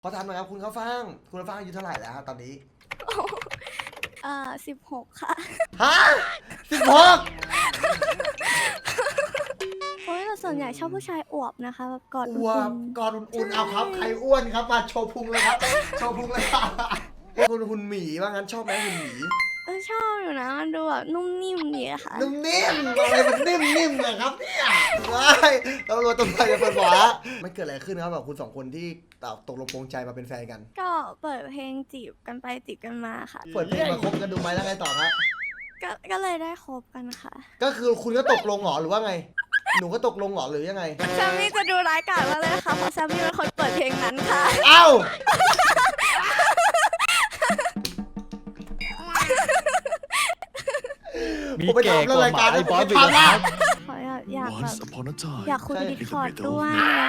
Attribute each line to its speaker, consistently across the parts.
Speaker 1: ขอถามหน่อยครับคุณข้าวฟ่างอายุเท่าไหร่แล้วครับตอนนี้
Speaker 2: 16 ค่ะ
Speaker 1: ฮะ16
Speaker 2: เพราะว่าส่วนใหญ่ชอบผู้ชายอวบนะคะแบบกอด
Speaker 1: อ้ว
Speaker 2: อุ่
Speaker 1: บ
Speaker 2: น
Speaker 1: กอดอุ่นๆ
Speaker 2: ใช่
Speaker 1: เอาครับใครอ้วนครับมาโชว์พุงเลยครับโชว์พุงเลยครับคุณหุ่นหมีว่างั้นชอบไหมหุ่นหมี
Speaker 2: ชอบอยู่นะมันดูแบบนุ่มนิ่มดีอะค่ะ
Speaker 1: นุ่มนิ่มอะไรมันนิ่มนะครับเนี่ยเราตำรวจจะเปิดหัวมันเกิดอะไรขึ้นครับแบบคุณสองคนที่ตกลงปรงใจมาเป็นแฟนกัน
Speaker 2: ก็เปิดเพลงจีบกันไปจีบกันมาค่ะ
Speaker 1: เปิดเพลงมาคบกันดูไหมแล้วไงต่อครับ
Speaker 2: ก็เลยได้คบกันค่ะ
Speaker 1: ก็คือคุณก็ตกลงเหรอหรือว่าไงหนูก็ตกลงเหรอหรือยังไง
Speaker 2: แซมมี่จะดูร้ายกาจมากเลยค่ะเพราะแซมมี่เป็นคนเปิดเพลงนั้นค่ะ
Speaker 1: เอ้า
Speaker 3: มี
Speaker 1: ผมไป
Speaker 3: แก่
Speaker 1: ทำ
Speaker 3: ก
Speaker 1: เรื่องาย
Speaker 3: ว่ารห
Speaker 1: การ
Speaker 3: มาไอ้บอส
Speaker 1: ผม
Speaker 3: อี
Speaker 1: ไป
Speaker 3: ก
Speaker 1: ทำ
Speaker 3: นะ
Speaker 1: ละ
Speaker 2: ขออยากแบบ
Speaker 4: Once upon a time
Speaker 2: อยากคุยดิสคอร์ดด้วย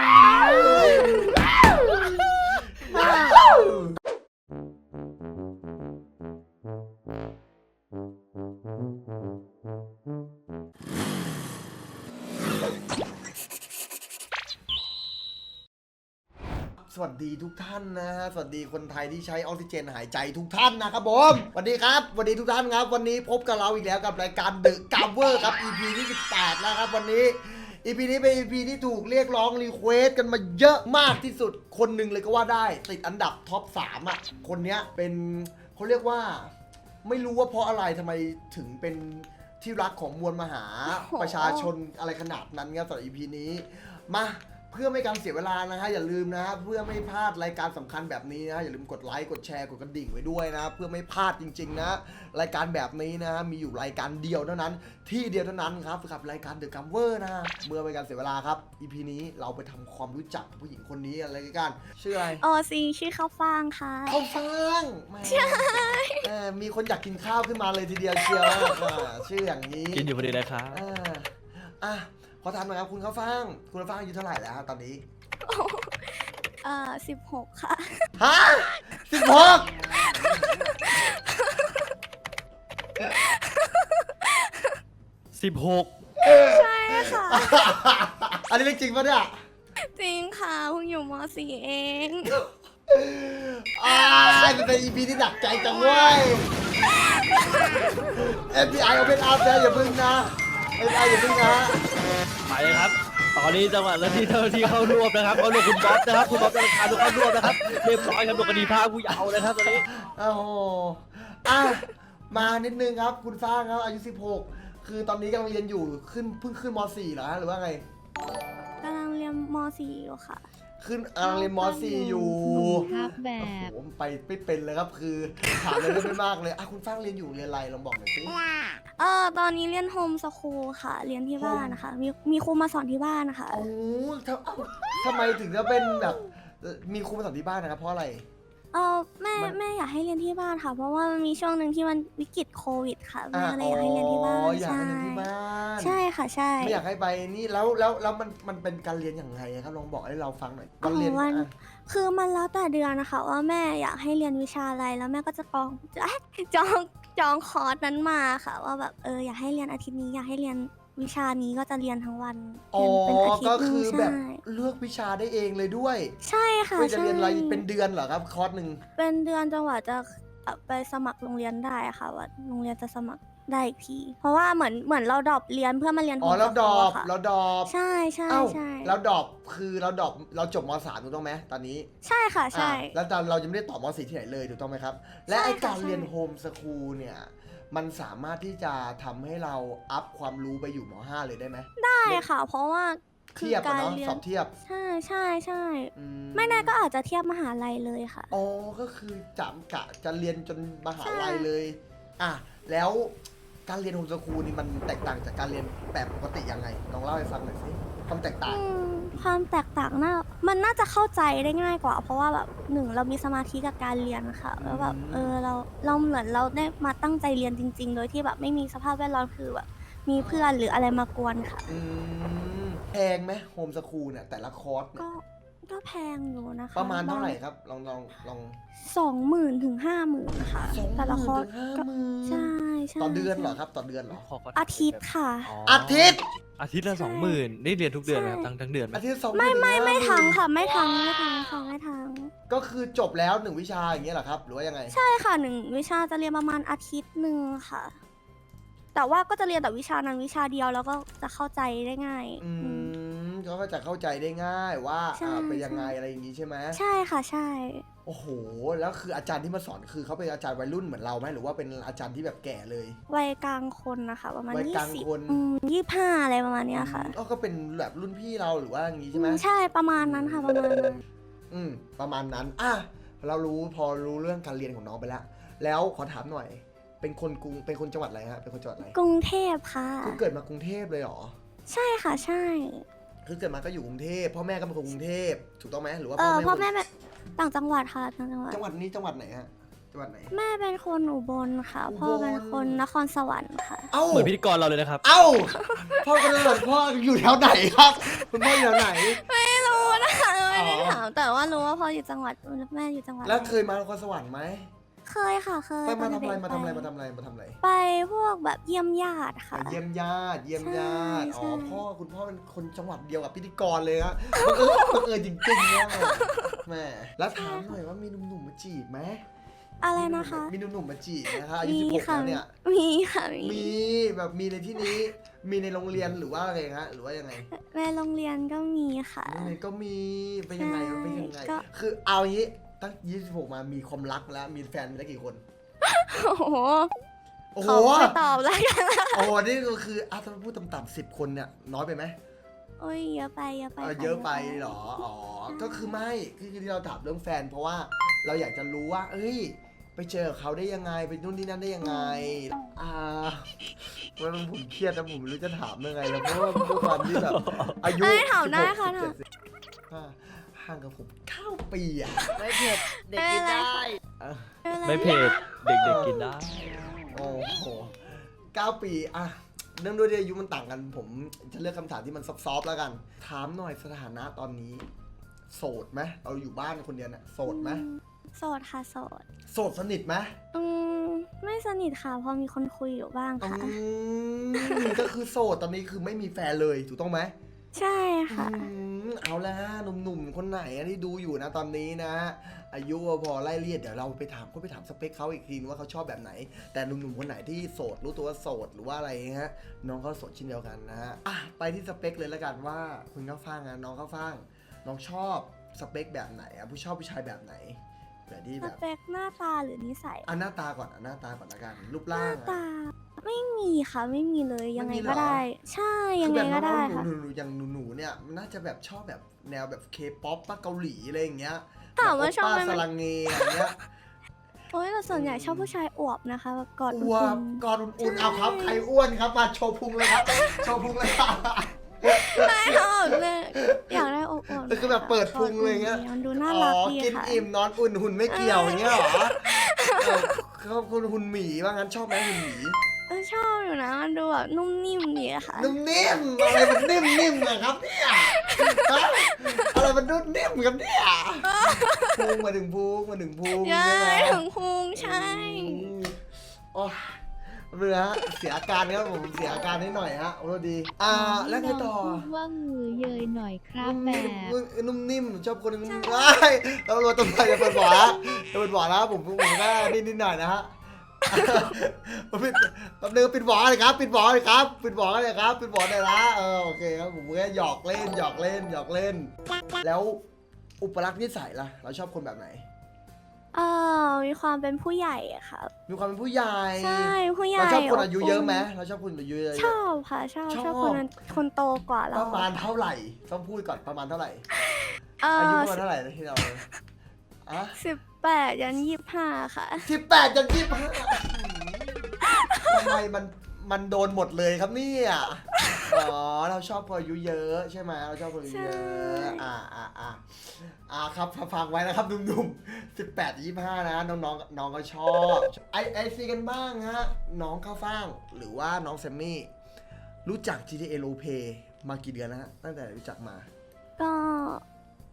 Speaker 1: สวัสดีทุกท่านนะฮะสวัสดีคนไทยที่ใช้ออกซิเจนหายใจทุกท่านนะครับผมสวัสดีครับสวัสดีทุกท่านครับวันนี้พบกับเราอีกแล้วกับรายการ The Cover ครับ EP ที่18แล้วครับวันนี้ EP นี้เป็น EP ที่ถูกเรียกร้องรีเควสกันมาเยอะมากที่สุดคนหนึ่งเลยก็ว่าได้ติดอันดับท็อป3อ่ะคนเนี้ยเป็นเขาเรียกว่าไม่รู้ว่าเพราะอะไรทำไมถึงเป็นที่รักของมวลมหาประชาชนอะไรขนาดนั้นครับสำหรับ EP นี้มาเพื่อไม่การเสียเวลานะฮะอย่าลืมนะฮะเพื่อไม่พลาดรายการสำคัญแบบนี้นะฮะอย่าลืมกดไลค์กดแชร์กดกระดิ่งไว้ด้วยนะเพื่อไม่พลาดจริงๆนะรายการแบบนี้นะฮะมีอยู่รายการเดียวเท่านั้นที่เดียวเท่านั้นครับกับรายการ The Cover นะเมื่อไม่การเสียเวลาครับ EP นี้เราไปทำความรู้จักผู้หญิงคนนี้อะไรกันชื่ออะไร
Speaker 2: ชื่อข้าวฟ่างค่ะ
Speaker 1: ข้าวฟ่างแหมมีคนอยากกินข้าวขึ้นมาเลยทีเดียวเชียวชื่ออย่างนี้
Speaker 3: กินอยู่พอดีเลยครับ
Speaker 1: อ่ะขอถามหน่อยครับคุณข้าวฟ่างอายุเท่าไหร่แล้วครับตอนนี้
Speaker 2: 16 ค่ะ
Speaker 1: ฮะ16
Speaker 2: ใช่ค่ะ
Speaker 1: อันนี้เรื่องจริงปะเนี่ย
Speaker 2: จริงค่ะเพิ่งอยู่ม .4 เอง
Speaker 1: มันเป็น EP ที่หนักใจจังเว้ย FBI Open Up นะอย่าพึ่งนะ FBI อย่าพึ่งนะ
Speaker 3: ไปเลยครับ ตอนนี้จังหวะแล้วที่เจ้าหน้าที่เข้ารวบนะครับเขารวบคุณบ๊อบนะครับคุณบ๊อบจะพาทุกเข้ารวบนะครับเรียบร้อยครับโดนคดีพาผู้เยาว์นะครับตอนนี้
Speaker 1: โอ้โหอ่ะมานิดนึงครับคุณฟ้างครับอายุ16คือตอนนี้กำลังเรียนอยู่เพิ่งขึ้นม .4 เหรอฮะหรือว่าไง
Speaker 2: กำลังเรียนม .4 อยู่ค่ะ
Speaker 1: ขึ้นกำลังเรียนม .4 อยู่
Speaker 5: ครับแบ
Speaker 1: โอ้
Speaker 5: บ
Speaker 1: โหไปไม่เป็นเลยครับคือถามเลยไม่มากเลยอ่ะคุณฟ้างเรียนอยู่เรียนอะไรลองบอกหน่อยสิ
Speaker 2: ตอนนี้เรียนโฮมสคูลค่ะ เรียนที่บ้านนะคะ มีครูมาสอนที่บ้านนะคะ
Speaker 1: โอ้ทำไมถึงจะเป็นแบบมีครูมาสอนที่บ้านนะครับเพราะอะไร
Speaker 2: แม่อยากให้เรียนที่บ้านค่ะ เพราะว่ามันมีช่วงหนึ่งที่มันวิกฤตโควิดค่ะแม่เลยอยากให้เรียนที่บ้าน
Speaker 1: อยากให้เรียนที่บ้าน
Speaker 2: ใช่ค่ะใช่
Speaker 1: ไม่อยากให้ไปนี่แล้วมันเป็นการเรียนอย่างไรครับลองบอกให้เราฟังหน่อยวันเรียนอ่ะ
Speaker 2: คือมันแล้วแต่เดือนนะคะ ว่าแม่อยากให้เรียนวิชาอะไรแล้วแม่ก็จะจองคอร์สนั้นมาค่ะ ว่าแบบอยากให้เรียนอาทิตย์นี้อยากให้เรียนวิชานี้ก็จะเรียนทั้งวันเรียนเป็นอาทิต
Speaker 1: ก็
Speaker 2: ย์หนึ
Speaker 1: คื
Speaker 2: ง
Speaker 1: อแบบ
Speaker 2: ใช่
Speaker 1: เลือกวิชาได้เองเลยด้วย
Speaker 2: ใช่ค่ะ
Speaker 1: ไม่จะ
Speaker 2: ใช่
Speaker 1: เรียนอะไรเป็นเดือนเหรอครับคอร์สหนึ่ง
Speaker 2: เป็นเดือนจังหวะจะไปสมัครโรงเรียนได้ค่ะว่าโรงเรียนจะสมัครได้อีกที เพราะว่าเหมือนเราดรอปเรียนเพื่อมาเรียน
Speaker 1: อ๋อ
Speaker 2: โฮม
Speaker 1: แล้ว
Speaker 2: ส
Speaker 1: ดร
Speaker 2: คู
Speaker 1: อ
Speaker 2: ล
Speaker 1: ป
Speaker 2: ค่ะ
Speaker 1: แล้วดรอป
Speaker 2: ใช่ใช่
Speaker 1: เอ้า
Speaker 2: ใช่
Speaker 1: แล้วดรอปคือเราจบม .3 ถูกต้องไหมตอนนี้
Speaker 2: ใช่ค่ะใช่
Speaker 1: แล้วเรายังไม่ได้ต่อม .4 ที่ไหนเลยถูกต้องไหมครับ และ
Speaker 2: ใช่
Speaker 1: ไอ
Speaker 2: ค่ะ
Speaker 1: การเรียน
Speaker 2: ใช่
Speaker 1: โฮมสคูลเนี่ยมันสามารถที่จะทำให้เราอัพความรู้ไปอยู่ม .5 เลยได้ไหม
Speaker 2: ได้ค่ะ เพราะว่าคื
Speaker 1: เทียบ
Speaker 2: กา
Speaker 1: อะ
Speaker 2: ร
Speaker 1: เนาะ
Speaker 2: เรีย
Speaker 1: ส
Speaker 2: น
Speaker 1: อบเทียบ
Speaker 2: ใช่ใช่ใช่
Speaker 1: อื
Speaker 2: ไม่แน่ก็อาจจะเทียบมหาลัยเลยค่ะ
Speaker 1: อ๋อก็คือกะจะเรียนจนมหาลัย
Speaker 2: ใช่
Speaker 1: เลยอ่ะแล้วการเรียนโฮมสคูลนี่มันแตกต่างจากการเรียนแบบปกติยังไงลองเล่าให้ฟังหน่อยสิความแตกต่าง
Speaker 2: ความแตกต่างมันน่าจะเข้าใจได้ง่ายกว่า เพราะว่าแบบหนึ่งเรามีสมาธิกับการเรียนค่ะแล้วแบบเราเหมือนเราได้มาตั้งใจเรียนจริง ๆ โดยที่แบบไม่มีสภาพแวดล้อมคือแบบมีเพื่อนหรืออะไรมากวนค่ะ
Speaker 1: แพงไหมโฮมสคูลเนี่ยแต่ละคอร์สเนี่ย
Speaker 2: ก็แพงอยู่นะคะ
Speaker 1: ประมาณเท่าไหร่ครับลอง
Speaker 2: 20,000 ถึง 50,000ค่ะ แต่ละคอร์ส
Speaker 1: 20,000
Speaker 2: ก็
Speaker 1: ถึง
Speaker 2: ใช่ใช่
Speaker 1: 50,000ต่อเดือนเหรอครับต่อเดือนเหรอ
Speaker 2: อาทิตย์ค่ะ
Speaker 1: อาทิตย์
Speaker 3: อาทิตย์ละ20,000นี่เรียนทุกเดือนนะครับทั้งเดือนไหม
Speaker 1: อาทิตย์2
Speaker 2: ไม่ทั้งค่ะไม่ทั้งค่ะไม่ทั้ง
Speaker 1: ก็คือจบแล้ว1วิชาอย่างเงี้ยเหรอครับหรือว่ายังไง
Speaker 2: ใช่ค่ะ1วิชาจะเรียนประมาณอาทิตย์หนึ่งค่ะ แต่ว่าก็จะเรียนแต่วิชานั้นวิชาเดียวแล้วก็จะเข้าใจได้ง่าย
Speaker 1: เขาก็จะเข้าใจได้ง่ายว่า
Speaker 2: ใช่
Speaker 1: เป็นยังไงอะไรอย่างงี้ใช่ไหม
Speaker 2: ใช่ค่ะใช่
Speaker 1: โอ้โหแล้วคืออาจารย์ที่มาสอนคือเขาเป็นอาจารย์วัยรุ่นเหมือนเราไหมหรือว่าเป็นอาจารย์ที่แบบแก่เลย
Speaker 2: วัยกลางคนนะคะประมาณ
Speaker 1: วัยกลางคน
Speaker 2: 25อะไรประมาณเนี้ยค่ะ
Speaker 1: ก็เป็นแบบรุ่นพี่เราหรือว่าอย่างงี้ใช่ไหม
Speaker 2: ใช่ประมาณนั้นค่ะประมาณนั้น
Speaker 1: ประมาณนั้นเราพอรู้เรื่องการเรียนของน้องไปแล้วแล้วขอถามหน่อย เป็นคนจังหวัดอะไรฮะเป็นคนจังหวัดอะไร
Speaker 2: กรุงเทพค่ะ
Speaker 1: คือเกิดมากรุงเทพเลยเหรอ
Speaker 2: ใช่ค่ะใช่
Speaker 1: คือเกิดมาก็อยู่กรุงเทพพ่อแม่ก็เป็นคนกรุงเทพถูกต้องไหมหรือว่า
Speaker 2: พ่อแม่
Speaker 1: เป็น
Speaker 2: แบบต่างจังหวัดค่ะต่างจังหวัด
Speaker 1: จังหวัดนี้จังหวัดไหนฮะจังหวัดไหน
Speaker 2: แม่เป็นคนอุบลค่ะ
Speaker 1: อุบล
Speaker 2: พ่อเป็นคนนครสวรรค์ค่ะ
Speaker 1: เอ้า
Speaker 3: เหมือนพิธีกรเราเลยนะครับ
Speaker 1: เอ้าพ่อคนนั้นพ่ออยู่แถวไหนครับคุณพ่ออยู่แถวไหน
Speaker 2: ไม่รู้นะคะไม่ได้
Speaker 1: อ๋อ
Speaker 2: ถามแต่ว่ารู้ว่าพ่ออยู่จังหวัดแม่อยู่จังหวัด
Speaker 1: แล้วเคยมานครสวรรค์ไหม
Speaker 2: เคยค่ะเคย
Speaker 1: ไปมา
Speaker 2: ต
Speaker 1: ทำ
Speaker 2: อน
Speaker 1: อะไร
Speaker 2: เด็ก
Speaker 1: มาทำอะไรมาทำอะไรมาทำอะไร
Speaker 2: ไปพวกแบบเยี่ยมญาติค่ะ
Speaker 1: เยี่ยมญาติเยี่ยมญาติ
Speaker 2: ใช่
Speaker 1: คุณพ่อเป็นคนจังหวัดเดียวกับพิธีกรเลยฮะบังเอิญจริงๆเนี่ยแม่แล้วถามหน่อยว่ามีหนุ่มๆมาจีบไหม
Speaker 2: อะไรนะคะ
Speaker 1: มีหนุ่มๆมาจีบนะคะอายุ
Speaker 2: มี
Speaker 1: 16
Speaker 2: ค่ะ
Speaker 1: แล้วเนี่ย
Speaker 2: มีค่ะ
Speaker 1: มีแบบมีในที่นี้มีในโรงเรียนหรือว่าอะไรฮะหรือว่ายังไง
Speaker 2: แม่โรงเรียนก็มีค่ะ
Speaker 1: โรงเรียนก็มีเป็นยังไง
Speaker 2: ใช่
Speaker 1: เป็นยังไง
Speaker 2: ก็
Speaker 1: คือเอาอย่างนี้ตั้ง26มามีความรักแล้วมีแฟนไปแล้วกี่คน
Speaker 2: โอ้โห
Speaker 1: โอ้โห
Speaker 2: ขอไม่ตอบแล้วกัน
Speaker 1: โอ้โหนี่ก็คือถ้าพูดต่ำๆ10 คนเนี่ยน้อยไปไหม
Speaker 2: โอ้ยเยอะไปค่ะ
Speaker 1: เยอะไปเหรออ๋อก็คือไม่คือที่เราถามเรื่องแฟน เพราะว่าเราอยากจะรู้ว่าเอ้ยไปเจอเขาได้ยังไงไปนู่นนี่นั่นได้ยังไงว่าผมเครียดนะผมไม่รู้จะถามยังไงแล้วเพราะว่าด้วยความที่แบบอายุ
Speaker 2: ถามได้ค่ะ
Speaker 1: 16 17ห่างกับผม9 ปีอ่ะ
Speaker 4: ไม่เผ็ดเด็กกินได้
Speaker 3: ไม่เผ็ดเด็กๆกินได้
Speaker 1: โอ้โห9 ปีอะเนื่องด้วยที่อายุมันต่างกันผมจะเลือกคำถามที่มันซอฟๆแล้วกัน ถามหน่อยสถานะตอนนี้ โสดไหมเราอยู่บ้านคนเดียวเนี่ยโสดไหม
Speaker 2: โสดค่ะโสด
Speaker 1: โสดสนิทไหม
Speaker 2: ไม่สนิทค่ะพอมีคนคุยอยู่บ้างค่ะ
Speaker 1: ก็คือโสดตอนนี้คือไม่มีแฟนเลยถูกต้องไหม
Speaker 2: ใช่ค่ะ
Speaker 1: เอาละหนุ่มๆคนไหนที่ดูอยู่นะตอนนี้นะ อายุพอไล่เรียดเดี๋ยวเราไปถามสเปคเขาอีกทีว่าเขาชอบแบบไหน แต่หนุ่มๆคนไหนที่โสดรู้ตัวว่าโสดหรือว่าอะไรฮะน้องเขาโสดเช่นเดียวกันนะฮะไปที่สเปคเลยแล้วกันว่าคุณข้าวฟ่างน้องข้าวฟ่างน้องชอบสเปคแบบไหนผู้ชอบผู้ชายแบบไหนแบบที่
Speaker 2: ส
Speaker 1: แบบ
Speaker 2: เปคหน้าตาหรือนิสัย
Speaker 1: หน้าตาก่อนหน้าตาก่อนละกันรูป
Speaker 2: ห
Speaker 1: ร่า
Speaker 2: น้าง ตาไม่มีค่ะไม่มีเลยยังไง
Speaker 1: ไม่มีเหรอ
Speaker 2: ก็ได้ ใช่ยังไงก็ได้ค่ะ
Speaker 1: หนูอย่างหนูเนี่ยน่าจะแบบชอบแบบแนวแบบเคป๊อปป้าเกาหลีอะไรอย่างเงี้ย
Speaker 2: ถามว่าชอบไหม
Speaker 1: ป้าสลังเงอย่างเงี้ย
Speaker 2: โอ้ยแต่ส่วนใหญ่ชอบผู้ชายอวบนะคะแบบกอด
Speaker 1: อ้
Speaker 2: อุ่
Speaker 1: วน กอดอุ่นๆเอาครับใครอ้วนครับมาโชว์พุงเลยครับโชว์พุงเลยครับ
Speaker 2: ๆไม่ค่ะแบบเลยอยากได้อวบๆ
Speaker 1: คือแบบเปิดพุงเลยเงี้ย
Speaker 2: มันดูน่ารักดี
Speaker 1: กิน
Speaker 2: ค่ะ
Speaker 1: อิ่มนอนอุ่นหุ่นไม่เกี่ยวอย่างเงี้ยเหรอเขาคุณหุ่นหมีว่างั้นชอบไหมหุ่นหมี
Speaker 2: ชอบอยู่นะมันดูแบบนุ่มนิ่มดีอะค่ะ
Speaker 1: นุ่มนิ่มอะไรมันนิ่มนะครับเนี่ยอะไรมันนุ่มนิ่มครับเนี่ยพุงมาถึงพุง
Speaker 2: ใช่
Speaker 1: ใช่ไหม
Speaker 2: ถึงพุงใช่
Speaker 1: โอ้เรือฮะเสียอาการครับผมเสียอาการนิดหน่อยฮะโอ้ดีแล้วไงต่อ
Speaker 5: ว่ามือเยยหน่อยครับแบบ
Speaker 1: นุ่มนิ่มชอบคนนุ่มนิ่มแล้วเราต้องไปจะเปิดบ่อนะจะเปิดบ่อนะผมก็นิดหน่อยนะฮะแป๊บนึงปิดบ่อเลยครับปิดบ่อเลยครับปิดบ่อเลยครับปิดบ่อเลยนะโอเคครับผมแค่หยอกเล่นแล้วอุปลักษณ์นิสัยล่ะเราชอบคนแบบไหน
Speaker 2: มีความเป็นผู้ใหญ่อะค่ะ
Speaker 1: มีความเป็นผู้ใหญ่
Speaker 2: ใช่ผู้ใหญ่
Speaker 1: เราชอบคนอายุเยอะไหมเราชอบคนอายุเยอะ
Speaker 2: ชอบค่ะชอบคนโตกว่าเรา
Speaker 1: ประมาณเท่าไหร่ต้องพูดก่อนประมาณเท่าไหร่
Speaker 2: อา
Speaker 1: อายุ
Speaker 2: ยุ
Speaker 1: ประมาณเท่าไหร่ที่เรา
Speaker 2: 18 ยัน 25 ค่ะ
Speaker 1: 18 ยัน 25ทำไมมันโดนหมดเลยครับเนี่ยเราชอบคนอายุเยอะใช่ไหมเราชอบคนอายุเยอะครับฟังไว้นะครับหนุ่มๆ18 25นะน้องก็ชอบไอซีกันบ้างฮะน้องข้าวฟ่างหรือว่าน้องแซมมี่รู้จัก GTA Roleplay มากี่เดือนนะฮะตั้งแต่รู้จักมา
Speaker 2: ก็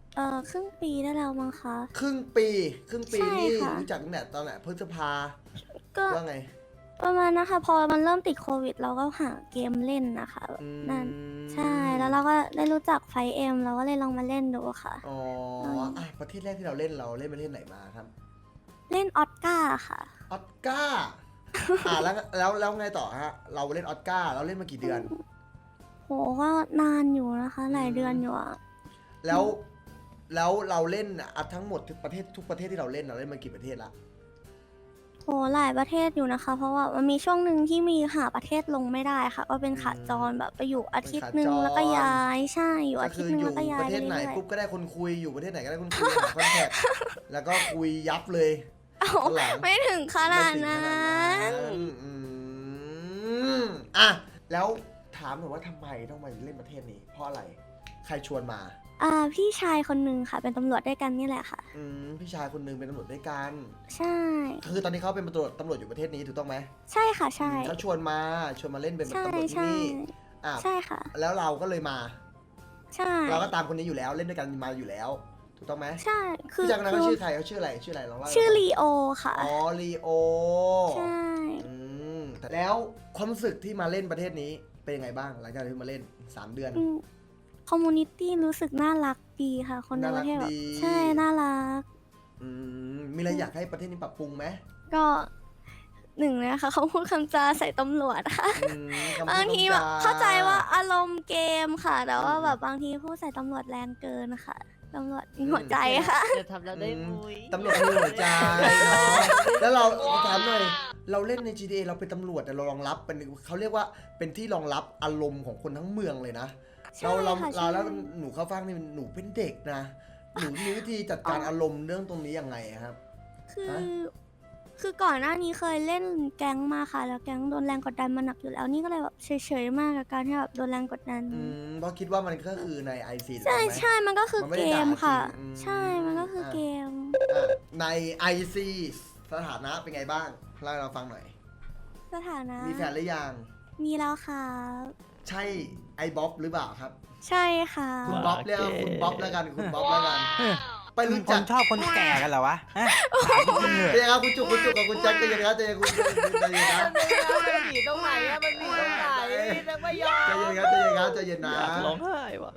Speaker 2: ครึ่งปีได้แล้วมั้งคะ
Speaker 1: ครึ่งปี
Speaker 2: ใช่
Speaker 1: นี่
Speaker 2: ค่ะ
Speaker 1: รู้จักตั้งแต่ตอนไหนพฤษภา
Speaker 2: ก็
Speaker 1: ว่าไง
Speaker 2: ประมาณนะคะ พอมันเริ่มติดโควิดเราก็หาเกมเล่นนะคะแบบ
Speaker 1: อืม
Speaker 2: นั่นใช่แล้วเราก็ได้รู้จักไฟเอ็มเราก็เลยลองมาเล่นดูค่ะ
Speaker 1: อ๋ออ่ะประเทศแรกที่เราเล่นประเทศไหนมาครับ
Speaker 2: เล่นออสการ์ค่ะ
Speaker 1: ออสการ์ แล้วไงต่อฮะ เราเล่นออสการ์เราเล่นมากี่เดือน
Speaker 2: โหก็นานอยู่นะคะ หลายเดือนอยู่อะ
Speaker 1: แล้วเราเล่นอ่ะทั้งหมดทุกประเทศที่เราเล่นมากี่ประเทศละ
Speaker 2: โหหลายประเทศอยู่นะคะ เพราะว่ามันมีช่วงหนึ่งที่มีหาประเทศลงไม่ได้ค่ะ ก็เป็นขาจรแบบไปอยู่อาทิตย์หนึ่งแล้วก็ย้ายใช่อยู่
Speaker 1: ก็
Speaker 2: อาทิ
Speaker 1: คื
Speaker 2: ตย์หนึ่ง
Speaker 1: ออยู่
Speaker 2: แล้วก็ย้า
Speaker 1: ป
Speaker 2: ย
Speaker 1: ระเทศไหน
Speaker 2: รื่อยๆ
Speaker 1: ปุ๊บก็ได้คนคุยอยู่ประเทศไหนก็ได้คนคุยหาคอนแทคแล้วก็คุยยับเลย
Speaker 2: เอ้า
Speaker 1: ข้างหลัง
Speaker 2: ไม่ถึงขนาด
Speaker 1: ไม่ถึง
Speaker 2: นั้
Speaker 1: ขนาด
Speaker 2: น
Speaker 1: อืมอ่ะแล้วถามหน่อยว่าทำไมต้องมาเล่นประเทศนี้ เพราะอะไร ใครชวนมา
Speaker 2: พี่ชายคนหนึ่งค่ะ เป็นตำรวจด้วยกันนี่แหละค่ะ
Speaker 1: พี่ชายคนหนึงเป็นตำรวจด้วยกัน
Speaker 2: ใช่
Speaker 1: คือตอนนี้เขาเป็นตำรวจอยู่ประเทศนี้ถูกต้องไหม
Speaker 2: ใช่ค่ะใช่
Speaker 1: เขาชวนมาเล่นเป็น
Speaker 2: ใช่
Speaker 1: ตำรวจที่
Speaker 2: ใช่
Speaker 1: นี่อ่ะ
Speaker 2: ใช่ค่ะ
Speaker 1: แล้วเราก็เลยมา
Speaker 2: ใช่
Speaker 1: เราก็ตามคนนี้อยู่แล้วเล่นด้วยกันมาอยู่แล้ว ถูกต้องไหม
Speaker 2: ใช่คือ
Speaker 1: พี่ชายคนนั้น
Speaker 2: คื
Speaker 1: เขา
Speaker 2: อ
Speaker 1: ชื่อใครเขาชื่ออะไรลองเล่าให้
Speaker 2: ชื่อ
Speaker 1: ฟัง
Speaker 2: ลีโอค่ะ
Speaker 1: อ๋อลีโอ
Speaker 2: ใช่
Speaker 1: อืมแล้วความรู้สึกที่มาเล่นประเทศนี้เป็นยังไงบ้างหลังจากที่มาเล่น 3 เดือน
Speaker 2: คอมมูนิตี้รู้สึกน่ารักดีค่ะ คนในประเทศแบบ
Speaker 1: น่ารักดี
Speaker 2: ใช่น่ารัก
Speaker 1: มีอะไรอยากให้ประเทศนี้ปรับปรุงไหม
Speaker 2: ก็หนึ่งเลยค่ะเขาพูดคำจาใส่ตำรวจค่ะ
Speaker 1: คำพูด
Speaker 2: บางทีแบบ
Speaker 1: คำจ
Speaker 2: เข้าใจว่าอารมณ์เกมค่ะ แต่ว่าแบบบางทีพูดใส่ตำรวจแรงเกินค่ะตำรวจมีหัวใจค่ะ
Speaker 3: จะทำเราได้มุย
Speaker 1: ตำรวจมีหัวใจเนาะแล้วเราถามหน่อยเราเล่นใน GTA เราเป็นตำรวจแต่เรารองรับเป็นเขาเรียกว่าเป็นที่รองรับอารมณ์ของคนทั้งเมืองเลยนะ
Speaker 2: ใช่
Speaker 1: เรา
Speaker 2: ค่ะ
Speaker 1: เราแล้ว
Speaker 2: ใช่
Speaker 1: หนูเข้าฟังนี่หนูเป็นเด็กนะหนูมีวิธีจัดการอารมณ์เรื่องตรงนี้ยังไงอะครับ
Speaker 2: คือ
Speaker 1: ฮะ
Speaker 2: คือก่อนหน้านี้เคยเล่นแก๊งมาค่ะ แล้วแก๊งโดนแรงกดดันมาหนักอยู่แล้ว นี่ก็เลยแบบเฉยๆมากกับการที่แบบโดนแรงกดดัน
Speaker 1: เพราะคิดว่ามันก็คือใน IC ถูก
Speaker 2: ใช่
Speaker 1: ต้องไหม
Speaker 2: ใช่มันก็คือ
Speaker 1: มันไม่
Speaker 2: เก
Speaker 1: ได้ด่าม
Speaker 2: ค่ะ
Speaker 1: จริง
Speaker 2: ใช่มันก็คือเกม
Speaker 1: อ่ะใน IC สถานะเป็นไงบ้างเล่าให้เราฟังหน่อย
Speaker 2: สถานะ
Speaker 1: มีแฟนหรือยัง
Speaker 2: มีแล้วค่ะ
Speaker 1: ใช่ไอ้บ๊อบหรือเปล่าครับ
Speaker 2: ใช่ค่ะ
Speaker 1: คุณบ๊อบเรียกว่าคุณบ๊อบแล้วกันคุณบ๊อบแล้วกัน ไปรู้
Speaker 4: ค
Speaker 1: จั
Speaker 4: น
Speaker 1: ก
Speaker 4: ชอบคนแก่กันเหรอวะฮะ
Speaker 1: เดี๋ยวครับคุณจุกกับคุณแจ็คใจเย็นครับใจเย็นคุณใจเย็นนะ
Speaker 3: มันมีตรงไหนอะมันมีตรงไหนนักไม่ยอม
Speaker 1: ใจเย็นครับใจเย็นครับใจเย็นนะ
Speaker 3: อยากร้องไห้ว่ะ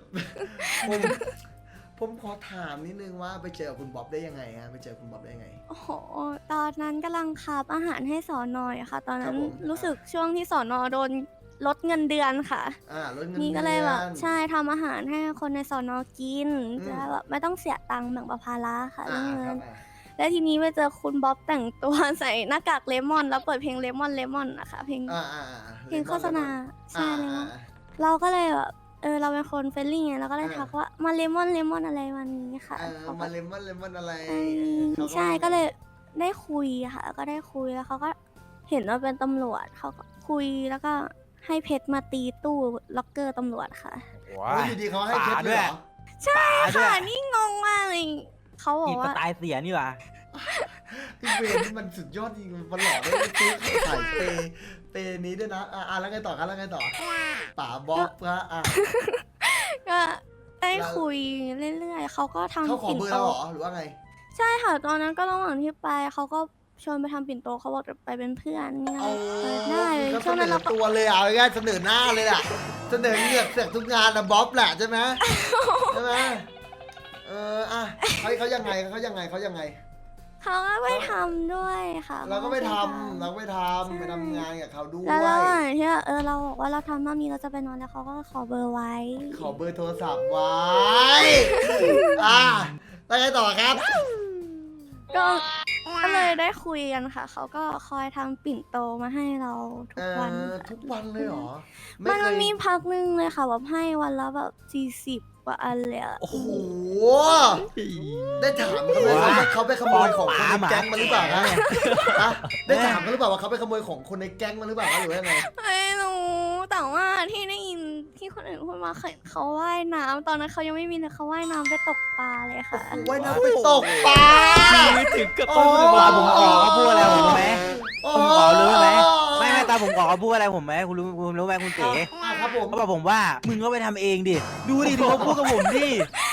Speaker 1: ผมขอถามนิดนึงว่าไปเจอคุณบ๊อบได้ยังไงฮะไปเจอคุณบ๊อบได้ยังไง
Speaker 2: โอ้โห ตอนนั้นกำลังขับอาหารให้สอนอยค่ะ ตอนนั้น
Speaker 1: ครับผม
Speaker 2: รู้สึกช่วงที่สอนอโดนลดเงินเดือนค่ะ
Speaker 1: ลดเงิน
Speaker 2: นี่
Speaker 1: เดื
Speaker 2: ก็
Speaker 1: อน
Speaker 2: เลยแบบใช่ทำอาหารให้คนในสอนอกิน
Speaker 1: อืม
Speaker 2: จะแบบไม่ต้องเสียตังค์แบ่งประภาระค่ะ
Speaker 1: อ่า
Speaker 2: เรื่อง
Speaker 1: ครั
Speaker 2: เงิ
Speaker 1: บ
Speaker 2: นแล้วทีนี้ไปเจอคุณบ๊อบแต่งตัว ใส่หน้ากากเลมอน แล้วเปิดเพลงเลมอนนะคะเพลง เพลงโฆษณาใช่เลมอนเราก็เลยแบบเราเป็นคนเฟรนลี่ไงเราก็เลยทักว่ามาเลมอนอะไรวันนี้ค่ะเขา
Speaker 1: มา
Speaker 2: ก็
Speaker 1: เลมอนอะไร
Speaker 2: ใช่ก็เลยได้คุยค่ะก็ได้คุยแล้วเขาก็เห็นว่าเป็นตำรวจเขาก็คุยแล้วก็ให้เพชรมาตีตู้ล็อกเกอร์ตำรวจค่ะ
Speaker 4: ว้า
Speaker 1: โอ้ยอยู่ดีเขาให้เพชรเลยเหรอ
Speaker 4: ป่าด้วย
Speaker 2: ค่ะนี่งงมากเลยเขาบอ
Speaker 4: อี
Speaker 2: ก
Speaker 4: ก
Speaker 2: ว่า
Speaker 4: ตายเสียนี่หว่า
Speaker 1: พี่เวรนี่มันสุดยอดจริงมันหล่อได้ซื้อขายเปนี้ด้วยนะแล้วไงต่อครับแล้วไงต่อป๋าบ๊อบฮะ
Speaker 2: ก็ได้คุยเรื่อยๆเขาก็ทำ
Speaker 1: เขาขอ
Speaker 2: ปิ่น
Speaker 1: เบอร์
Speaker 2: โต
Speaker 1: เราเหรอหรือว่าไง
Speaker 2: ใช่ค่ะตอนนั้นก็ระหว่างที่ไปเขาก็ชวนไปทำปิ่นโตเขาบอกจะไปเป็นเพื่อนเนี่ย
Speaker 1: เอา
Speaker 2: ได้เลย
Speaker 1: ก็
Speaker 2: ช่วงนั้นเราก็
Speaker 1: ตัวเลยอ่ะง่ายเสนอหน้าเลยอ่ะเสนอเหงือกเสือกทุกงานนะบ๊อบแหละใช่ไหมใช่ไหมเขายังไง
Speaker 2: เขาก็ไปทำด้วยค่ะ
Speaker 1: เราก็ไม่ท
Speaker 2: ใช่
Speaker 1: ำไปทำงานกับเขาด้วย
Speaker 2: แล้วระหว่างที่เราบอกว่าเราทำรอบนี้เราจะไปนอนแล้วเขาก็ขอเบอร์ไว้
Speaker 1: ขอเบอร์โทรศัพท์ไว้แล้วไงต่อครับ
Speaker 2: ก็เลยได้คุยกันค่ะ เขาก็คอยทำปิ่นโตมาให้เราทุกวันค่ะ
Speaker 1: ทุกวันเลยเหรอ
Speaker 2: มันมีพักนึงเลยค่ะแบบให้วันละแบบ40 กว่าอันเลยอะ
Speaker 1: โอ้โหได้ถามเขาไหมว่าเขาไปขโมยของคนในแก๊งมาหรือเปล่าฮะได้ถามเขาหรือเปล่าว่าเขาไปขโมยของคนในแก๊งมาหรือเปล่าหรือว่ายังไง
Speaker 2: ไม่รู้แต่ว่าที่ได้ยินที่คนอื่นพูดมาเขาว่ายน้ำตอนนั้นเขายังไม่มีเลยเขาว่ายน้ำไปตกปลาเลยค่ะ
Speaker 1: ว่ายน้ำไปตกปลา
Speaker 3: ถึงกับ
Speaker 1: โอ้
Speaker 3: ต้อง
Speaker 4: ตาผมขอเขาพูดอะไรผมรู้ไหม
Speaker 1: โอ้
Speaker 4: ผมขอรู้ไหมไม่ตาผมขอเขาพูดอะไรผมไหมคุณรู้ไหมคุณเก๋
Speaker 1: ครับผม
Speaker 4: เขาบอกผมว่ามึงก็ไปทำเองดิดูดิดูเขาพูดกับผมดิ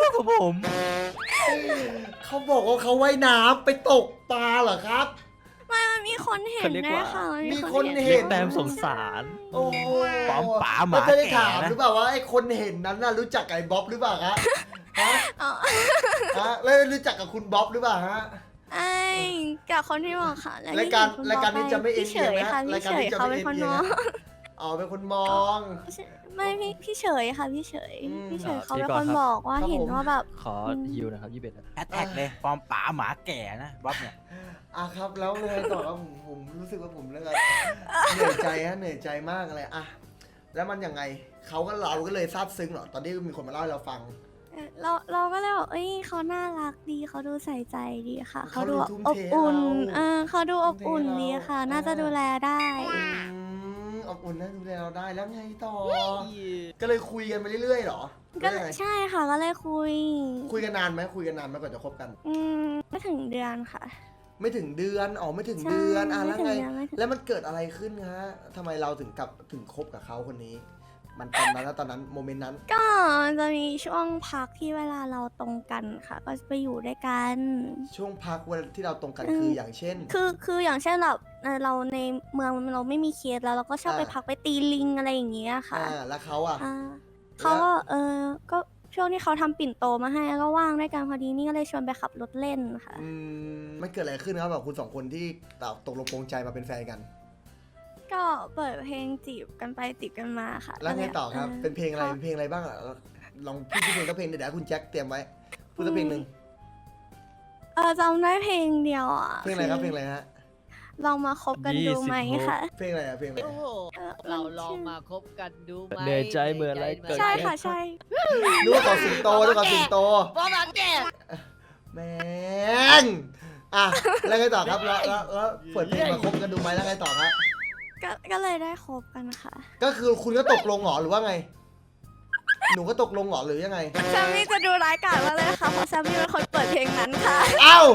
Speaker 4: กับผม
Speaker 1: เขาบอกว่าเขาว่ายน้ำไปตกปลาเหรอครับ
Speaker 2: มันมีคนเห็นแน่ค่ะ
Speaker 1: มีคนเห็
Speaker 3: เรียกแต้มสงสาร
Speaker 1: โอ้โห
Speaker 4: ปอมป๋าหมา
Speaker 1: แล้วจะได้
Speaker 4: แก่
Speaker 1: ถาม
Speaker 4: นะ
Speaker 1: หรือเปล่าว่าไอ้คนเห็นนั้นน่ะรู้จักกับไอ้บ๊อบหรือเปล่าฮะฮะ
Speaker 2: อ๋อ
Speaker 1: ฮะแล้วรู้จักกับคุณบ๊อบหรือเปล่าฮะ
Speaker 2: ไอ้กับคนที่บอกค่ะแล้ว
Speaker 1: รายการ
Speaker 2: ที่
Speaker 1: รายการนี้จะไม่เอ็น
Speaker 2: พี่เฉ
Speaker 1: เอียง
Speaker 2: ย
Speaker 1: นะ
Speaker 2: ค่ะ
Speaker 1: รา
Speaker 2: พี่
Speaker 1: ยการ
Speaker 2: เฉย
Speaker 1: นี้จะ
Speaker 2: เขา
Speaker 1: ไม่
Speaker 2: เป็น
Speaker 1: เอ็น
Speaker 2: คน
Speaker 1: เอีย
Speaker 2: ม
Speaker 1: ง
Speaker 2: อง
Speaker 1: นะอ๋อเป็นคนมอง
Speaker 2: ไม่พี่เฉยค่ะพี่เฉย
Speaker 1: อืม
Speaker 2: พี่เฉยเขา
Speaker 3: พี่
Speaker 2: เป็น
Speaker 3: ก่
Speaker 2: ค
Speaker 3: อน
Speaker 2: น
Speaker 3: ครับ
Speaker 2: บอกว่า
Speaker 1: ครับ
Speaker 2: เห็น
Speaker 1: ผม
Speaker 2: ว่าแบบ
Speaker 3: ขอฮิวนะครับ21นะ
Speaker 4: แฮชแท็กเลยปอมป๋าหมาแก่นะบ๊อบเนี่ย
Speaker 1: อ่ะครับแล้วเลยต่อครับผมรู้สึกว่าผมแล้วก็เหนื่อยใจฮะเหนื่อยใจมากเลยอ่ะแล้วมันยังไงเราก็เลยซาบซึ้งเหรอตอนที่มีคนมาเล่าให้เราฟัง
Speaker 2: เราก็เลยบอกเอ้ยเขาน่ารักดีเขาดูใส่ใจดีค่ะ
Speaker 1: เขา
Speaker 2: เขาดู
Speaker 1: ดูทุ่ม
Speaker 2: อบ
Speaker 1: เท
Speaker 2: อุ่น
Speaker 1: เรา
Speaker 2: เขาดูอบอุ่น
Speaker 1: ทุ่มเทเรา
Speaker 2: ดีค่ะ น่าจะดูแลได้
Speaker 1: อบอุ่นนะดูแลเราได้แล้วไงต่อ ก็เลยคุยกันไปเรื่อยๆเหรอ
Speaker 2: ก็
Speaker 1: หรือยังไง
Speaker 2: ใช่ค่ะก็เลยคุย
Speaker 1: คุยกันนานไหมคุยกันนานไหมก่อนจะคบกัน
Speaker 2: ไม่ถึงเดือนค่ะ
Speaker 1: ไม่ถึงเดือนอ๋อไม่ถึง
Speaker 2: ใช่
Speaker 1: เดือนอ่ะ
Speaker 2: ไม่
Speaker 1: แล้ว
Speaker 2: ถึง
Speaker 1: ไง
Speaker 2: เดือนไม่ถึง
Speaker 1: แล้วมันเกิดอะไรขึ้นฮะทำไมเราถึงคบกับเขาคนนี้ มันตอนนั้นแล้วตอนนั้นโมเมนต์นั้น
Speaker 2: ก็จะมีช่วงพักที่เวลาเราตรงกันค่ะ ก็จะไปอยู่ด้วยกัน
Speaker 1: ช่วงพักวันที่เราตรงกัน
Speaker 2: อืม
Speaker 1: คืออย่างเช่น
Speaker 2: คืออย่างเช่นแบบเราในเมืองเราไม่มีเคสแล้วเราก็ชอบ
Speaker 1: อ่า
Speaker 2: ไปพักไปตีลิงอะไรอย่างเงี้ยค่ะ
Speaker 1: แล้วเขาอ่ะ
Speaker 2: อ่าเขาก็ก็ช่วงที่เขาทำปิ่นโตมาให้ก็ว่างด้วยกันพอดีนี่ก็เลยชวนไปขับรถเล่นค่ะ
Speaker 1: มันเกิดอะไรขึ้นครับแบบคุณสองคนที่ตกลงปรงใจมาเป็นแฟนกัน
Speaker 2: ก็เปิดเพลงจีบกันไปจีบกันมาค่ะ
Speaker 1: แล้วไงต่อครับ เป็นเพลงอะไร
Speaker 2: ขา
Speaker 1: เป็นเพลงอะไรบ้างอ่ะลองพูดชื่อเพลงก็เพลงเดี๋ยวให้คุณแจ็คเตรียมไว้พูดสักเพลงหนึ่ง
Speaker 2: จำได้เพลงเดียวอ่ะ
Speaker 1: เพลงอะไรครับเพลงอะไรฮะ
Speaker 2: ลองมาคบกันดูไหมค่ะ
Speaker 1: เพลงอะไรอ่ะเพลงอะไร
Speaker 6: โอ้โห เราลองมาคบกันดูไหม
Speaker 3: เหนื่อยใจเหมือนอะไรเกิด
Speaker 2: ใช่ค่ะใช่
Speaker 1: นึกว่าขอสิงโตนึกว่าขอสิงโต
Speaker 6: บอมาแก่
Speaker 1: แม่งอ่ะแล้วไงต่อครับแล้วเปิดเพลงมาคบกันดูไหมแล้วไงต่อครับ
Speaker 2: ก็เลยได้คบกันค่ะ
Speaker 1: ก็คือคุณก็ตกลงเหรอหรือว่าไง หนูก็ตกลงเหรอหรือยังไง
Speaker 2: แซมมี่จะดูร้ายกาจมากเลยค่ะเพราะแซมมี่เป็นคนเปิดเพลงนั้นค่ะ
Speaker 1: เอ้า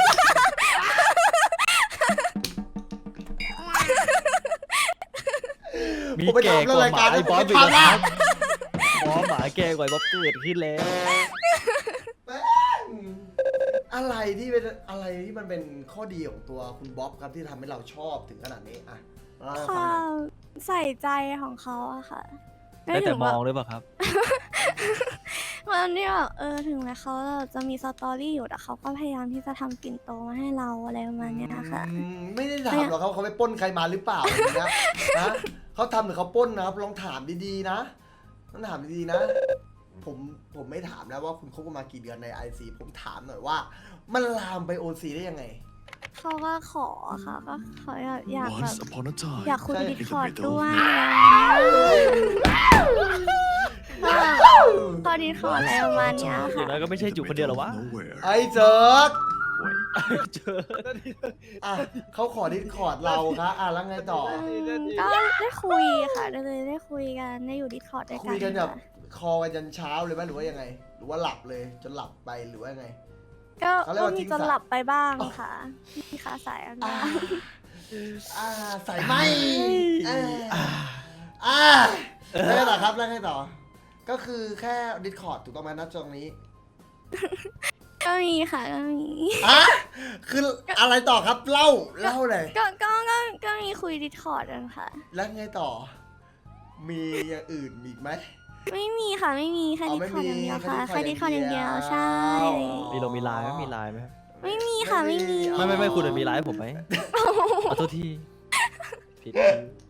Speaker 3: มี
Speaker 1: ผมไป
Speaker 3: แก่
Speaker 1: ทำ
Speaker 3: ก
Speaker 1: ราย
Speaker 3: ว่าห
Speaker 1: การ
Speaker 3: มาไอ้บอส
Speaker 1: ผม
Speaker 3: อีก
Speaker 1: ไป
Speaker 3: นะค
Speaker 1: ทำ
Speaker 3: รับบอสหมาแก่กว่าไอ้บอสเกิดขึ้นแล้ว
Speaker 1: อะไรที่เป็นอะไรที่มันเป็นข้อดีของตัวคุณบ๊อบครับที่ทำให้เราชอบถึงขนาดนี้อ่ะเล่าให้
Speaker 2: ค
Speaker 1: ฟัง
Speaker 2: วา
Speaker 1: หน่อย
Speaker 2: มใส่ใจของเขาอะค่ะ
Speaker 3: ได้แต่
Speaker 2: ถึง
Speaker 3: ม
Speaker 2: แบบ
Speaker 3: องหรือเปล่าครับ
Speaker 2: วันที่แบบถึงแม้เขาจะมีสตอรี่อยู่แต่เขาก็พยายามที่จะทำปิ่นโตมาให้เราอะไรประมาณเนี้ยค่ะ
Speaker 1: ไม่ได้ถามหรอกเขาไปปล้นใครมาหรือเปล่าอย่างเงี้ยนะเขาทำหรือเขาปล้นนะครับลองถามดีๆนะต้องถามดีๆนะ ผมไม่ถามแล้วว่าคุณคบกันมากี่เดือนใน IC ผมถามหน่อยว่า มันลามไป OC ได้ยังไง
Speaker 2: เขาก็ขอค่ะก็เขาอยากแบบ
Speaker 7: Once upon a time,
Speaker 2: อยากคุย
Speaker 1: ใช่
Speaker 2: ดิสคอร์ด
Speaker 7: in the middle
Speaker 2: ด้ว
Speaker 7: of
Speaker 2: ย พอดิสคอร์ดอะไรประมาณเนี้ย
Speaker 3: อย่าง
Speaker 2: ค่ะ
Speaker 3: น้อยก็ไม่ใช่จุกคนเดียวหรอวะ
Speaker 7: nowhere.
Speaker 1: ไอ้เจิร์ก
Speaker 7: Wait,
Speaker 3: เจอ
Speaker 1: อ่ะเขาขอดิสคอร์ดเราครับอ่ะแล้วไงต่อ
Speaker 2: ก็ได้คุยค่ะได้คุยกันได้อยู่ดิสคอร์ดด้วยกัน
Speaker 1: คุยกันแบบ
Speaker 2: ค่ะ
Speaker 1: คอกันยันเช้าเลยไหมหรือว่ายังไง หรือว่าหลับเลยจนหลับไปหรือว่ายังไง
Speaker 2: ก็
Speaker 1: เขาเรียกว่า
Speaker 2: มี
Speaker 1: ทิ้ง
Speaker 2: จน
Speaker 1: สาย
Speaker 2: หลับไปบ้างค่ะมีขาสายอัน
Speaker 1: อ่า
Speaker 2: บ้าง
Speaker 1: ใส่ไหมแล้วไงต่อครับแล้วไงต่อ ก็คือแค่ดิสคอร์ดถูกต้องไหมนะตรงนี้
Speaker 2: ก็มีค่ะก็มี
Speaker 1: อ่ะคืออะไรต่อครับเล่าเลย
Speaker 2: ก็มีคุยดิสคอร์ดกันค่ะ
Speaker 1: แล้วไงต่อ มีอย่างอื่นมีอีกไหม
Speaker 2: ไม่มีค่ะไม่มีแค่
Speaker 1: อ๋อ
Speaker 2: ดิสคอร์ดอย่างเดียวค่ะ
Speaker 1: ไม่มี
Speaker 2: แค่ดิสคอร์ดอย่างเดียวใช่
Speaker 3: มีไลน์ไหมมีไลน์ไหม
Speaker 2: ไม่มีค่ะไม่มี
Speaker 3: ไม่คุณมีไลน์ให้ผมไหมขอโทษทีผิด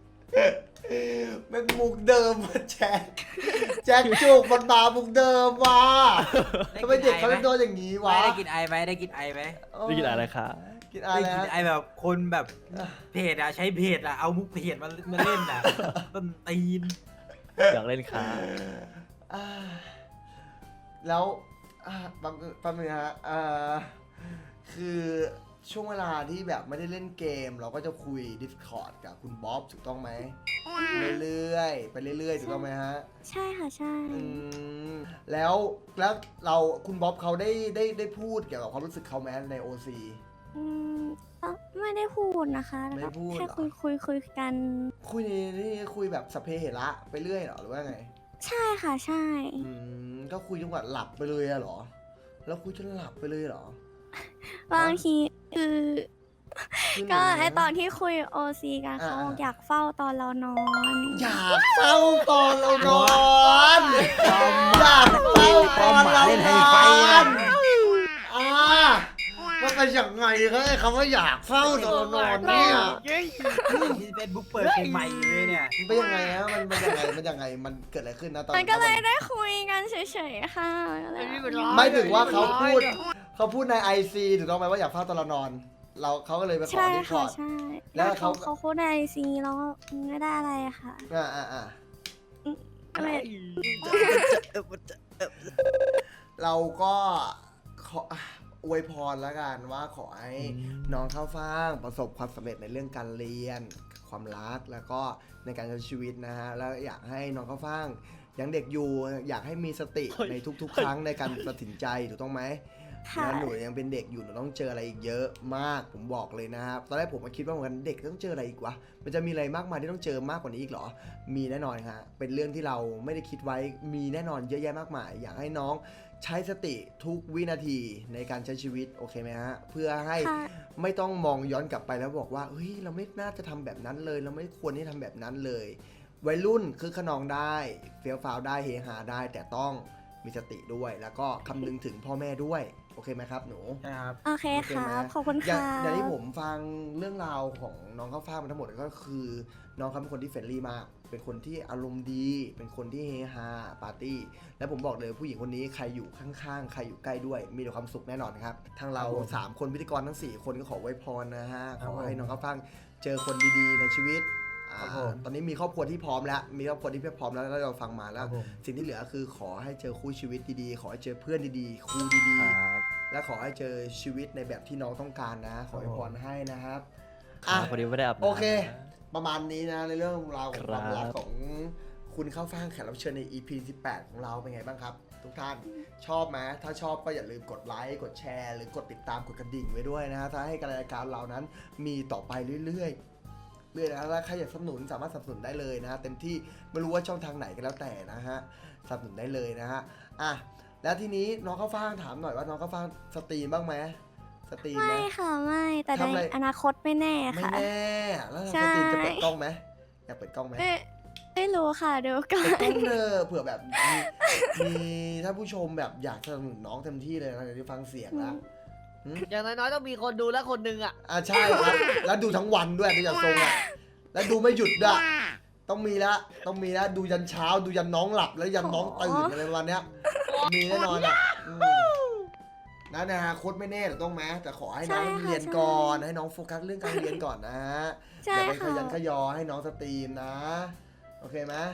Speaker 1: เป็นมุกเดิมว่ะแจ็คจุกมันมามุกเดิมว่ะทำไมเด็กเขาเล่นโดนอย่างนี้วะ
Speaker 4: ได้กินไอไหมได้กินไอไหม
Speaker 3: ได้กินอะไรคะ
Speaker 1: กินอะไร
Speaker 4: ได้กิน
Speaker 1: นะ
Speaker 4: ไอแบบคนแบบเพจอะใช้เพจอะเอามุกเพจมาเล่นอะต้นตีน
Speaker 3: อยากเล่นขา
Speaker 1: อ่าแล้วแป๊บนึงนะฮะคือช่วงเวลาที่แบบไม่ได้เล่นเกม เราก็จะคุย Discord กับคุณบ๊อบถูกต้องไหมเรื่อยๆไปเรื่อยๆถูกต้องไหมฮะ
Speaker 2: ใช่ค่ะใช่
Speaker 1: แล้วเราคุณบ๊อบเขาได้พูดเกี่ยวกับความรู้สึกเขาไหมใน OC
Speaker 2: ไม่ได้พูดนะคะ
Speaker 1: ไม่ได้พูด
Speaker 2: แค่
Speaker 1: เหรอ
Speaker 2: คุยกัน
Speaker 1: คุยในนี่คุยแบบสพเพเหระไปเรื่อยเหรอหรือว่าไง
Speaker 2: ใช่ค่ะใช่
Speaker 1: ก็คุยจนกว่าหลับไปเลยอะเหรอ แล้วคุยจนหลับไปเลยเหรอ
Speaker 2: บางทีคือ
Speaker 1: คือ
Speaker 2: ก็
Speaker 1: หนู
Speaker 2: ไอตอนที่คุยโอซีกันเขาบอกอยากเฝ้าตอนเรานอน
Speaker 1: อยากเฝ้าตอนเรานอนอยากเฝ้าตอนเรานอนมันเป็นอย่างไงครับไอ้คำว่าอยากเฝ้าตอนเรานอนเนี่ย
Speaker 4: ที่เฟซบุ๊กเปิดเพลงใหม่อยู่เลยเนี่ย
Speaker 1: มันเป็นยังไงฮะมันยังไงมันเกิดอะไรขึ้นนะตอน
Speaker 2: มันก็เลยได้คุยกันเฉยๆค่ะก็เลย
Speaker 1: ไม่ถึงว่าเขาพูดในไอซีถูกต้องไหมว่าอยากเฝ้าตอนเรานอน เขาก็เลยไปขอ
Speaker 2: ใช่
Speaker 1: ที่คอ
Speaker 2: ค่ะ
Speaker 1: ร์ด
Speaker 2: ใช่
Speaker 1: แล้วเขา
Speaker 2: เขาพูดในซีแล้วก็ไม่ได้อะไรค่ะ
Speaker 1: อ่า
Speaker 2: ก็เลย
Speaker 1: เราก็ขออวยพรแล้วกันว่าขอให้น้องข้าวฟ่างประสบความสำเร็จในเรื่องการเรียน ความรักแล้วก็ในการใช้ชีวิตนะฮะแล้วอยากให้น้องข้าวฟ่างยังเด็กอยู่อยากให้มีสติในทุกๆ ครั้งในการตัดสินใจถูกต้องไหม
Speaker 2: ค่ะ
Speaker 1: นะหนูยังเป็นเด็กอยู่หนูต้องเจออะไรอีกเยอะมากผมบอกเลยนะครับตอนแรกผมก็คิดว่าเหมือนกันเด็กต้องเจออะไรอีกวะมันจะมีอะไรมากมายที่ต้องเจอมากกว่านี้อีกเหรอมีแน่นอนฮะเป็นเรื่องที่เราไม่ได้คิดไว้มีแน่นอนเยอะแยะมากมาย อยากให้น้องใช้สติทุกวินาทีในการใช้ชีวิตโอเคไหมฮะเพื่อให้
Speaker 2: ค่ะ
Speaker 1: ไม่ต้องมองย้อนกลับไปแล้วบอกว่าเฮ้ยเราไม่น่าจะทำแบบนั้นเลยเราไม่ควรที่ทำแบบนั้นเลยวัยรุ่นคือขนองได้เฟี้ยวฟ้าวได้เฮฮาได้ แต่ต้องมีสติด้วย แล้วก็คำนึงถึงพ่อแม่ด้วยโอเคไหมครับหนู
Speaker 4: ใช่ครับ
Speaker 2: โอเค
Speaker 1: โอเค
Speaker 2: ค่ะ
Speaker 1: ไหม
Speaker 2: ขอบคุณ
Speaker 1: อย่า
Speaker 2: ค่ะ
Speaker 1: งอย่างที่ผมฟังเรื่องราวของน้องข้าวฟ่างมาทั้งหมดก็คือน้องเขาเป็นคนที่เฟรนลี่มาก เป็นคนที่อารมณ์ดี เป็นคนที่เฮฮาปาร์ตี้และผมบอกเลยผู้หญิงคนนี้ใครอยู่ข้างๆใครอยู่ใกล้ด้วยมีแต่ความสุขแน่นอนครับทั้งเรา
Speaker 4: ครับผม
Speaker 1: 3 คนพิธีกรทั้ง 4 คนก็ขอไว้พรนะฮะ
Speaker 4: ครั
Speaker 1: ข
Speaker 4: บ
Speaker 1: อให้
Speaker 4: ผม
Speaker 1: น้องข้าวฟ่างเจอคนดีๆในชีวิต
Speaker 4: ครับผม
Speaker 1: ตอนนี้มีครอบครัวที่พร้อมแล้วมีครอบครัวที่พร้อมแล้วแล้วเราฟังมา
Speaker 4: ค
Speaker 1: แล้
Speaker 4: รั
Speaker 1: ว
Speaker 4: บผม
Speaker 1: สิ่งที่เหลือคือขอให้เจอคู่ชีวิตดีๆ ขอให้เจอเพื่อนดีๆ ครูดีๆ และขอให้เจอชีวิตในแบบที่น้องต้องการนะ ขอให้พรให้นะครับ
Speaker 3: อ่ะพอดีไม่ได้อาบน้ำ
Speaker 1: โอเค ประมาณนี้นะในเรื่องราวของ
Speaker 3: ค
Speaker 1: ครับ วามรักของคุณข้าวฟ่างแขกรับเชิญใน EP 18 ของเราเป็นไงบ้างครับ ทุกท่านชอบไหมถ้าชอบก็อย่าลืมกดไลค์กดแชร์หรือกดติดตามกดกระดิ่งไว้ด้วยนะฮะถ้าให้การรายการเรานั้นมีต่อไปเรื่อยๆนะแล้วใครอยากสนับสนุนสามารถสนับสนุนได้เลยนะฮะเต็มที่ไม่รู้ว่าช่องทางไหนก็แล้วแต่นะฮะสนับสนุนได้เลยนะฮะอ่ะแล้วทีนี้น้องข้าวฟ่างถามหน่อยว่าน้องข้าวฟ่างสตรีมบ้างไหมสตรีมไหม
Speaker 2: ไม่ค่ะไม่แต่
Speaker 1: ทำอะไร
Speaker 2: ในอนาคตไม่แน่
Speaker 1: ไม่
Speaker 2: ค่ะ
Speaker 1: แน่แล้ว
Speaker 2: ใช่
Speaker 1: สตรีมจะเปิดกล้องไหมอยากเปิดกล้องไหม
Speaker 2: ไม่รู้ค่ะเดี๋ยวก่อ
Speaker 1: เปิด
Speaker 2: น
Speaker 1: กล้องเนอะเผื่อแบบมีถ้าผู้ชมแบบอยากสนับสนุนน้องเต็มที่เลยนะเดี๋ยวได้ฟังเสียงแล้ว
Speaker 6: อย่างน้อยๆต้องมีคนดูแล้วคนหนึ่งอ่ะ
Speaker 1: ใช่ครับแล้วดูทั้งวันด้วยดูจากทรงอ่ะแล้วดูไม่หยุดด้วยต้องมีละดูยันเช้าดูยันน้องหลับแล้วยันน้องตื่นอะไรประมาณเนี้ยมีแน่นอนอ่ะนะนะโค้ดไม่แน่แต่ต้องไหมแต่ขอให้น้องเรียนก่อนให้น้องโฟกัสเรื่องการเรียนก่อนนะ
Speaker 2: ใช่
Speaker 1: อย่าไปข
Speaker 2: ค่ะ
Speaker 1: ยันขยอให้น้องสตรีมนะ โอเคไหม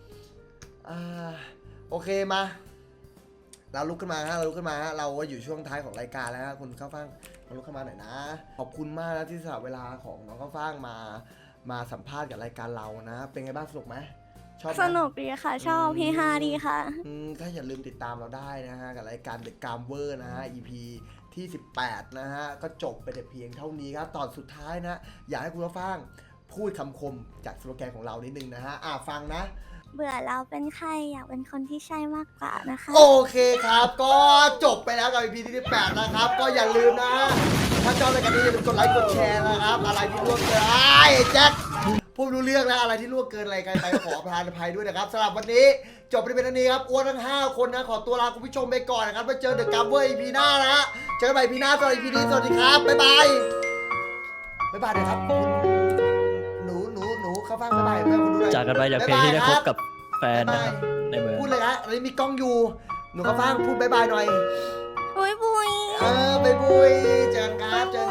Speaker 1: โอเคมาเราลุกขึ้นมาฮะเราก็อยู่ช่วงท้ายของรายการแล้วฮะคุณข้าวฟ่างมาลุกขึ้นมาหน่อยนะขอบคุณมากนะที่สละเวลาของน้องข้าวฟ่างมาสัมภาษณ์กับรายการเรานะ เป็นไงบ้างสนุกไหมชอบไหม
Speaker 2: สนุกดีค่ะ ชอบพี่ฮาดีค่ะ
Speaker 1: ก็อย่าลืมติดตามเราได้นะฮะกับรายการ The Gamer นะฮะ EP ที่ 18 นะฮะก็จบไปแต่เพียงเท่านี้ครับตอนสุดท้ายนะอยากให้คุณข้าวฟ่างพูดคำคมจากสโลแกนของเรานิดนึงนะฮะฟังนะ
Speaker 2: เบื่อเราเป็นใครอยากเป็นคนที่ใช่มากกว่านะคะ
Speaker 1: โอเคครับ ก็จบไปแล้วกับ EP ที่ 18 นะครับ ก็อย่าลืมนะ ถ้าชอบรายการนี้อย่าลืมกดไลค์กดแชร์นะครับ อะไรที่ล่วงเกินแจ็คพูดรู้เรื่องแล้วอะไรที่ล่วงเกินอะไรกันไปขอประทานอภัยด้วยนะครับสำหรับวันนี้จบไปเป็นอันนี้ครับอ้วนทั้ง 5 คนนะขอตัวลาคุณผู้ชมไปก่อนนะครับไว้เจอเดอะกัมเวอร์ EP หน้านะฮะเจอกันใหม่ EP หน้าสำหรับ EP นี้สวัสดีครับบ๊ายบายเดี๋ยวครับหนูเข้าฟังบ๊ายบายเพื่อนคุณดูหน่อย
Speaker 3: จากกันไปจากเพลงที่ได้พบกับแฟนนะครับในเมือง
Speaker 1: พูดเลยนะอันนี้มีกล้องอยู่ หนูก็ฟังพูดบายบายหน่อย
Speaker 2: บุยบุย
Speaker 1: บายบุยเจอกันครับเจอ